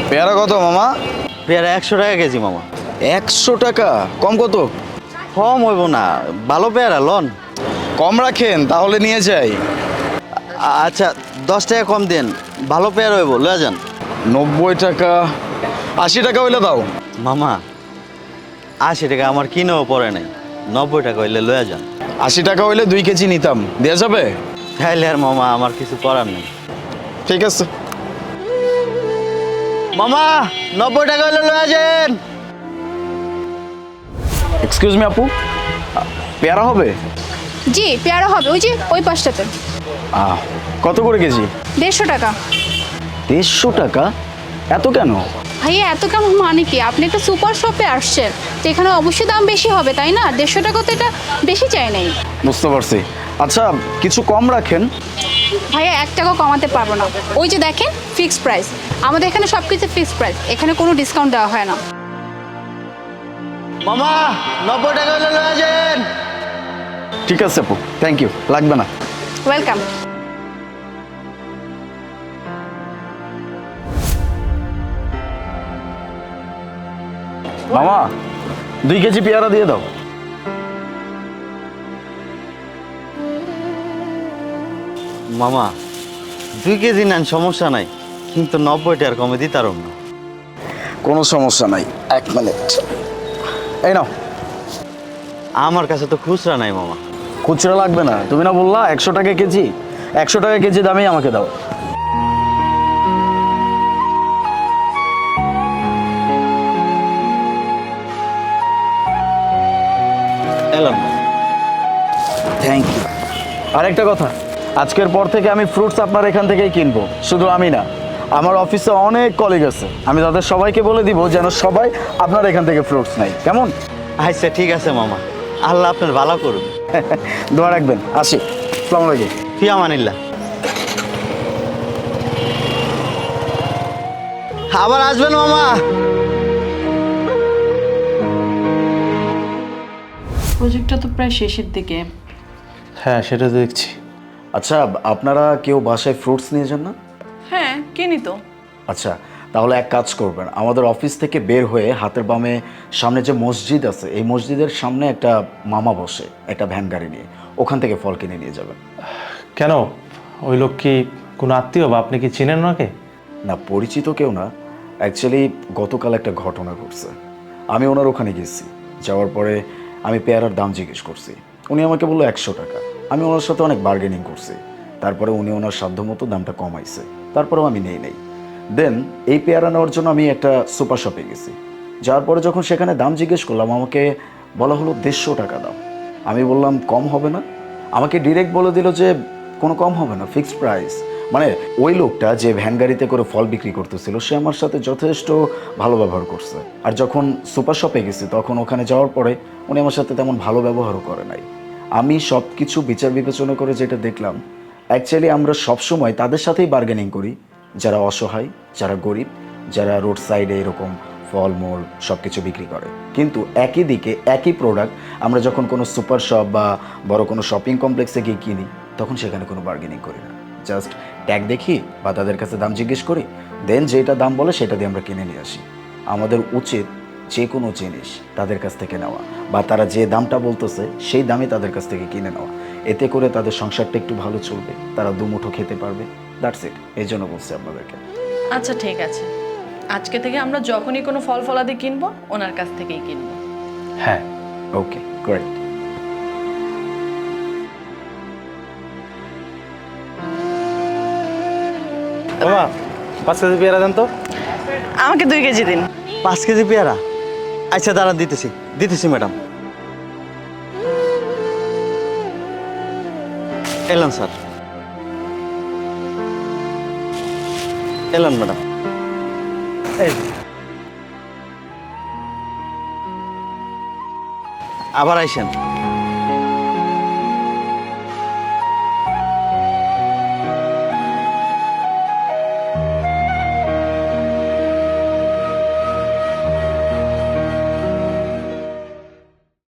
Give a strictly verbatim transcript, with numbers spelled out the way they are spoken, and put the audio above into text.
পেয়ারা কত মামা? পেয়ারা একশো টাকা কেজি মামা। একশো টাকা? কম কত? কম হইব না, ভালো পেয়ারা লন। কম রাখেন তাহলে নিয়ে যাই। আচ্ছা দশ টাকা কম দেন, ভালো পেয়ারা হইব, লয়ে যান। নব্বই টাকা, আশি টাকা হইলে দাও। মামা আশি টাকা আমার কিনেও পড়ে নাই, নব্বই টাকা হইলে লয়ে যান। আশি টাকা হইলে দুই কেজি নিতাম, দেওয়া যাবে? তাইলে আর মামা আমার কিছু করার নেই। ঠিক আছে। মামা নব্বই টাকা হইলে লয়ে যান। এক্সকিউজ মি আপু, পেয়ারা হবে? জি পেয়ারা হবে, ওই যে ওই পাশটাতে। আহ, কত করে কেজি? দেড়শো টাকা। দেড়শো টাকা? এত কেন? ভাইয়া এত কেমন মানে কি? আপনি একটা সুপার শপে আসছেন, তো এখানে অবশ্যই দাম বেশি হবে তাই না? দেড়শো টাকা তো এটা বেশি চাই নাই। বুঝতে পারছি। আচ্ছা কিছু কম রাখেন। ভাইয়া এক টাকা কমাতে পারবো না, ওই যে দেখেন ফিক্সড প্রাইস। আমাদের এখানে সব কিছু ফিক্সড প্রাইস, এখানে কোনো ডিসকাউন্ট দেওয়া হয় না। মামা নব্বই টাকা হইলে লয়ে যান। ঠিক আছে আপু, থ্যাংক ইউ, লাগবে না। ওয়েলকাম। মামা দুই কেজি পেয়ারা দিয়ে দাও। মামা দুই কেজি নেন, সমস্যা নাই, কিন্তু নব্বই টাকার কমে দিতারম না। কোনো সমস্যা নাই, এক মিনিট। এই নাও। আমার কাছে তো খুচরা নাই মামা। খুচরা লাগবে না, তুমি না বললা একশো টাকা কেজি? একশো টাকা কেজি দামেই আমাকে দাও। এলাম। Thank you. আরেকটা কথা, আজকের পর থেকে আমি ফ্রুটস আপনার এখান থেকেই কিনবো। শুধু আমি না, আমার অফিসে অনেক কলিগ আছে, আমি তাদের সবাইকে বলে দিব যেন সবাই আপনার এখান থেকে ফ্রুটস নেয়। কেমন? আচ্ছা ঠিক আছে মামা, আল্লাহ আপনার ভালো করুন। দোয়া রাখবেন। আসি, আসসালামু আলাইকুম। ফি আমানিল্লাহ। আবার আসবেন মামা। প্রজেক্টটা তো প্রায় শেষের দিকে। হ্যাঁ সেটা তো দেখছি। আচ্ছা আপনারা কেউ বাসায় ফ্রুটস নিয়ে যান না? হ্যাঁ কিনি তো। আচ্ছা তাহলে এক কাজ করবেন, আমাদের অফিস থেকে বের হয়ে হাতের বামে সামনে যে মসজিদ আছে, এই মসজিদের সামনে একটা মামা বসে একটা ভ্যান গাড়ি নিয়ে, ওখান থেকে ফল কিনে নিয়ে যাবেন। কেন, ওই লোক কি কোনো আত্মীয় বা আপনি কি চিনেন ওনাকে? না পরিচিত কেউ না, অ্যাকচুয়ালি গতকাল একটা ঘটনা ঘটছে। আমি ওনার ওখানে গেছি, যাওয়ার পরে আমি পেয়ারার দাম জিজ্ঞেস করছি, উনি আমাকে বললো একশো টাকা। আমি ওনার সাথে অনেক বার্গেনিং করছি, তারপরে উনি ওনার সাধ্যমতো দামটা কমাইছে, তারপরেও আমি নেই নেই। দেন এই পেয়ারা নেওয়ার জন্য আমি একটা সুপার শপে গেছি, যাওয়ার পরে যখন সেখানে দাম জিজ্ঞেস করলাম, আমাকে বলা হলো দেড়শো টাকা দাম। আমি বললাম কম হবে না? আমাকে ডিরেক্ট বলে দিল যে কোনো কম হবে না, ফিক্সড প্রাইস। মানে ওই লোকটা যে ভ্যান গাড়িতে করে ফল বিক্রি করতেছিল, সে আমার সাথে যথেষ্ট ভালো ব্যবহার করছে। আর যখন সুপার শপে গেছি, তখন ওখানে যাওয়ার পরে উনি আমার সাথে তেমন ভালো ব্যবহারও করে নাই। আমি সব কিছু বিচার বিবেচনা করে যেটা দেখলাম, অ্যাকচুয়ালি আমরা সবসময় তাদের সাথেই বার্গেনিং করি যারা অসহায়, যারা গরিব, যারা রোড সাইডে এরকম ফলমূল সব কিছু বিক্রি করে। কিন্তু একই দিকে একই প্রোডাক্ট আমরা যখন কোনো সুপার শপ বা বড় কোনো শপিং কমপ্লেক্সে গিয়ে কিনি, তখন সেখানে কোনো বার্গেনিং করি না, জাস্ট ট্যাগ দেখি বা তাদের কাছে দাম জিজ্ঞেস করি, দেন যেটা দাম বলে সেটা দিয়ে আমরা কিনে নিয়ে আসি। আমাদের উচিত যে কোনো জিনিস তাদের কাছ থেকে নেওয়া, বা তারা যে দামটা বলতেছে সেই দামে তাদের কাছ থেকে কিনে নেওয়া। এতে করে তাদের সংসারটা একটু ভালো চলবে, তারা দুমুঠো খেতে পারবে। দ্যাটস ইট, এই জন্য বলছি আপনাদেরকে। আচ্ছা ঠিক আছে, আজকে থেকে আমরা যখনই কোনো ফল ফলাদি কিনবো ওনার কাছ থেকেই কিনবো। হ্যাঁ ওকে গ্রেট। বাবা পাঁচ কেজি পেয়ারা দেন তো। আমাকে দুই কেজি দিন। পাঁচ কেজি পেয়ারা? আচ্ছা দাঁড়ান, দিতেছি দিতেছি ম্যাডাম। এলাম স্যার, এলাম ম্যাডাম। এই আবার আইসেন।